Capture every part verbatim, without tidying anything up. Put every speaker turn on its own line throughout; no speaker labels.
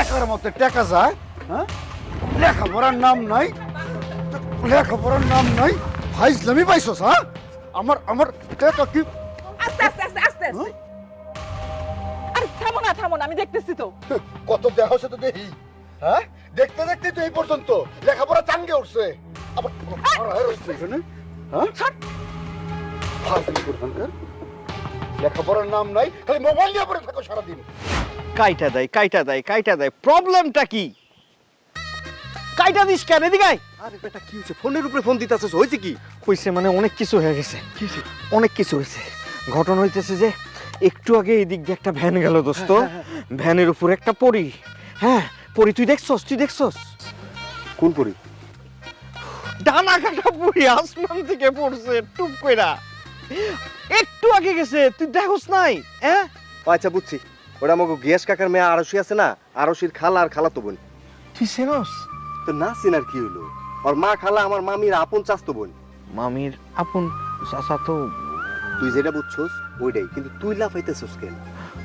টেকার মতো টেকা যায়, হ্যাঁ? লেখাপড়ার নাম নাই, লেখাপড়ার নাম নাই, ফাইজলামি পাইছস, হ্যাঁ? আমার আমার টেকা কি?
আস্তে আস্তে আস্তে আস্তে আস্তে আরে থামো না থামো না, আমি দেখতেছি তো।
কত দেহ সে তো দেখি, হ্যাঁ? দেখতে দেখতে তো এই পর্যন্ত লেখাপড়া চাঙ্গে উঠছে, আবার পড়ায় রয়েছে এখানে, হ্যাঁ? ফাজিল কোথাকার, লেখাপড়ার নাম নাই, খালি মোবাইল নিয়ে পড়ে থাকো সারাদিন।
কাইটা দেয় কাইটা দেয় কাইটা দেয় প্রবলেমটা কি? কাইটা দিস কেন? এদিকে আয়।
আরে বেটা কি হইছে? ফোনের উপরে ফোন দিতাছস, হইছে কি?
কইছে মানে অনেক কিছু হয়ে গেছে। অনেক কিছু হয়েছে। ঘটনা হইতেছে যে একটু আগে এই দিক দিয়ে একটা ভ্যান গেল দোস্ত, ভ্যানের উপর একটা পরি। হ্যাঁ পরি, তুই দেখছস? তুই দেখছস?
কোন পরি?
ডানা কাটা পরি আসমান থেকে পড়ছে টুপ কইরা, একটু আগে গেছে, তুই দেখছস নাই? হ্যাঁ
আচ্ছা বুঝছি, ওটা আমাকে গিয়াস কাকার মেয়ে আরশি আছে না, আরশির খালা আর খালা তো বোন।
তুই চেনস?
তো না চিনার কি হইলো? আর মা খালা আমার মামির আপন চাস্তো বোন।
মামির আপন চাচা তো।
তুই যেটা বুঝছস ওইটাই, কিন্তু তুই লাফাইতেছস কেন?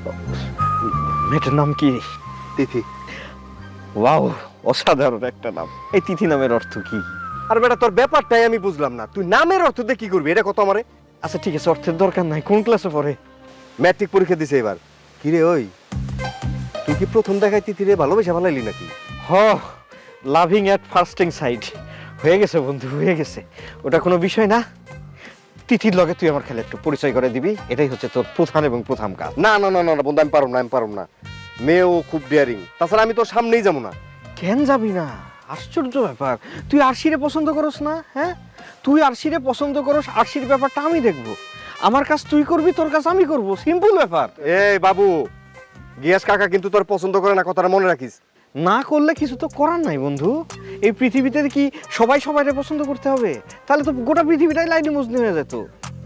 মেয়েটার নাম কি?
তিথি।
ওয়াও, অসাধারণ একটা নাম। এই তিথি নামের অর্থ কি?
আর বেটা তোর ব্যাপারটাই আমি বুঝলাম না, তুই নামের অর্থ দিয়ে কি করবি এটা কত আমারে?
আচ্ছা ঠিক আছে, অর্থের দরকার নাই। কোন ক্লাসে পড়ে?
ম্যাট্রিক পরীক্ষা দিছে এবার। কি রে ওই, তুই কি প্রথম দেখায় তিথিরে ভালোবেসে ভালাইলি নাকি?
হ, লাভিং অ্যাট ফার্স্টিং সাইড হয়ে গেছে বন্ধু, হয়ে গেছে। ওটা কোনো বিষয় না। তিথির লগে তুই আমার খেলে একটু পরিচয় করে দিবি, এটাই হচ্ছে তোর প্রধান এবং প্রথম কাজ।
না না না না বন্ধু, আমি পারব না, আমি পারব না। মেয়েও খুব ডেয়ারিং, তাছাড়া আমি তোর সামনেই যাবো না।
কেন যাবি না? আশ্চর্য ব্যাপার, তুই আরশিরে পছন্দ করস না? হ্যাঁ তুই আরশিরে পছন্দ করস, আরশির ব্যাপারটা আমি দেখবো। আমার কাজ তুই করবি, তোর কাজ আমি করবো, সিম্পল ব্যাপার।
এই বাবু, গিয়াস কাকা কিন্তু তোর পছন্দ করে না, কথাটা মনে রাখিস।
না করলে কিছু তো করার নাই বন্ধু। এই পৃথিবীতে কি সবাই সবাইকে পছন্দ করতে হবে? তাহলে তো গোটা পৃথিবীটাই লাইনে মজনু হয়ে যেত।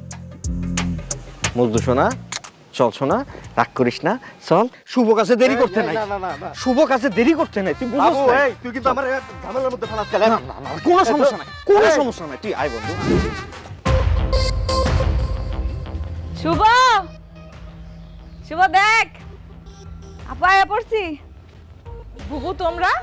মজনু শোনা, চল শোনা, রাগ করিস না, চল। শুভ কাজে দেরি করতে নাই,
না না না না
শুভ কাজে দেরি করতে নাই, তুই বুঝছ
বাবু,
না?
এই তুই কিন্তু আমার ঝামেলার মধ্যে ফেলাস।
না না না, কোনো সমস্যা নাই, কোনো সমস্যা নাই, তুই আয় বন্ধু।
শুভ, শুভ দেখ, আপা আয়া পড়ছি। বুবু তোমরা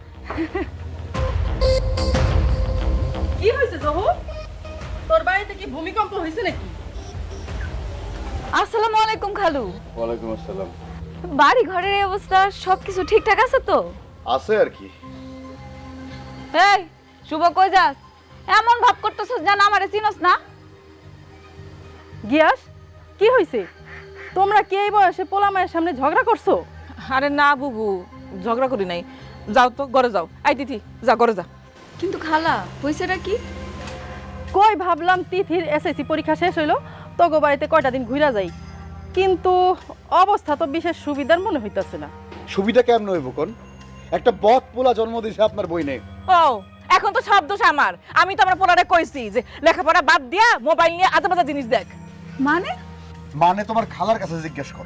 কি হয়েছে জহু? তোর বাড়িতে কি ভূমিকম্প হয়েছে নাকি?
আসসালামু আলাইকুম খালু।
ওয়ালাইকুম আসসালাম।
বাড়ি ঘরের এই অবস্থা সবকিছু ঠিকঠাক আছে তো?
আছে আর কি।
এই শুভ কই যাস? এমন ভাব করতেছস যেন আমারে চিনস না।
গিয়াস, কি হয়েছে? তোমরা কি এই বয়সে পোলা মায়ের সামনে ঝগড়া করছো?
আরে না বুবু, ঝগড়া করি নাই। যাও তো ঘরে যাও। আই তিথি যা ঘরে যা।
কিন্তু খালা হইছেটা কি?
কই ভাবলাম তিথির এসএসসি পরীক্ষা শেষ হইলো, তোগো বাড়িতে কয়টা দিন ঘুরা যাই, কিন্তু অবস্থা তো বিশেষ সুবিধার মনে হইতাছে না।
সুবিধা কেমন হইব কোন? একটা বদ পোলা জন্ম দিয়েছে আপনার বই নেই।
ও এখন তো সব দোষ আমার। আমি তো আমার পোলারে কইছি যে লেখাপড়া বাদ দিয়া মোবাইল নিয়ে আজে বাজে জিনিস দেখ।
মানে
মানে তোমার খালার কাছে জিজ্ঞেস করো।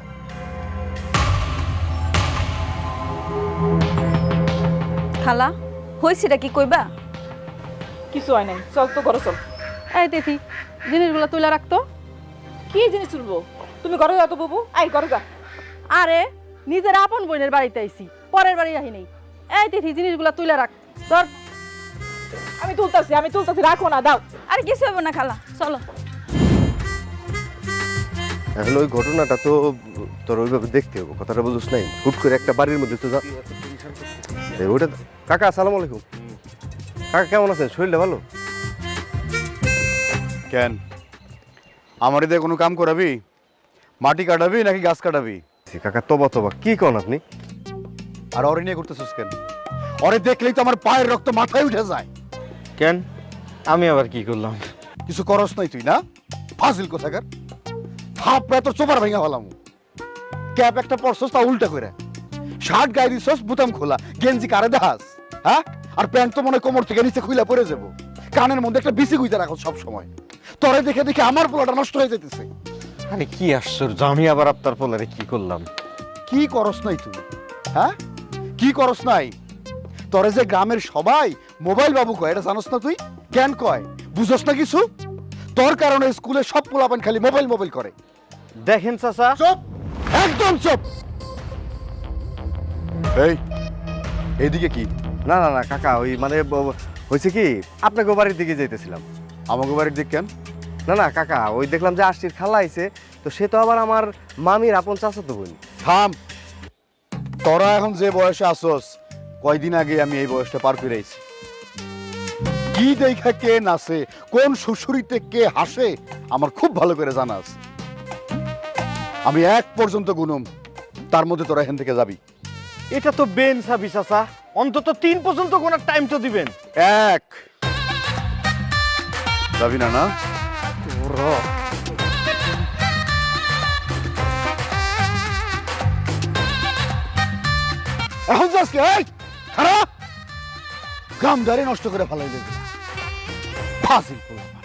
খালা হইছেটা কি কইবা?
কিছু হয় নাই, চল তো ঘরে চল।
এই তিথি, জিনিসগুলো তুলে রাখতো।
কি জিনিস তুলবো? তুমি ঘরে যাও তো বুবু, আই ঘরে যা।
আরে নিজের আপন বোনের বাড়িতে আইছি, পরের বাড়ি আহি নাই। এই তিথি, জিনিসগুলো তুলে রাখ। তোর
আমি তুলতাছি, আমি তুলতাছি, রাখো না, দাও।
আরে কিছু হবে না খালা, চলো।
এখন ওই ঘটনাটা তো তোর ওইভাবে দেখতে হবে, কথাটা বুঝছ নাই? হুট করে একটা বাড়ির মধ্যে তো যা। এই ওটা কাকা, আসসালামু আলাইকুম। কাকা কেমন আছেন? শরীরটা ভালো?
কেন আমার দিয়ে কোনো কাম করাবি? মাটি কাটাবি নাকি গাছ কাটাবি?
কাকা তবা তবা কি কন আপনি?
আর অরে নিয়ে করতেছিস কেন? অরে দেখলেই তো আমার পায়ের রক্ত মাথায় উঠে যায়।
কেন আমি আবার কি করলাম?
কিছু করস নাই তুই না? ফাজিল কোথাকার, থাপড়া তোর চোপার ভেঙে ফেলাম। ক্যাপ একটা পরছস তা উল্টা করে, শার্ট গায়ে দিছস বুতাম খোলা, গেঞ্জি কারে দেখাস? হ্যাঁ, আর প্যান্ট তো মনে কোমর থেকে নিচে খুইলা পড়ে যাবো। কানের মধ্যে একটা বিসি গুইতে রাখো সব সময়। তোরে দেখে দেখে আমার পোলাটা নষ্ট হয়ে যেতেছে।
আরে কি আশ্চর্য, আমি আবার আপনার পোলারে কি করলাম?
কি করস নাই তুই? হ্যাঁ কি করস নাই? তোরে যে গ্রামের সবাই মোবাইল বাবু কয়, এটা জানোস না তুই? কেন কয় বুঝস না কিছু? তোর কারণে স্কুলে সব পোলাপান খালি মোবাইল মোবাইল করে।
দেখেন চাচা,
চুপ, একদম চুপ। এই এইদিকে কি?
না না না কাকা, ওই মানে ব- হয়েছে কি আপনাকে বাড়ির দিকে যাইতেছিলাম।
আমাকে বাড়ির দিক কেন?
না না কাকা, ওই দেখলাম যে আশির খালা আইছে, তো সে তো আবার আমার মামির আপন চাচাতো বোন।
থাম, তোরা এখন যে বয়সে আসোস, কয়দিন আগে আমি এই বয়সটা পার করে আইছি। কি দেখা কে নাচে, কোন শ্বশুরিতে কে হাসে, আমার খুব ভালো করে জানা আছে। আমি এক পর্যন্ত গুনুম, তার মধ্যে তোরা এখান থেকে যাবি।
এটা তো বেন সাবি চাচা, অন্তত তিন পর্যন্ত কোনার টাইম তো দিবেন।
এক, যাবি না না? এখন যাস কি? এই, খারাপ গামদারে নষ্ট করে ফেলাই দেবে। ফাজিল পোলা।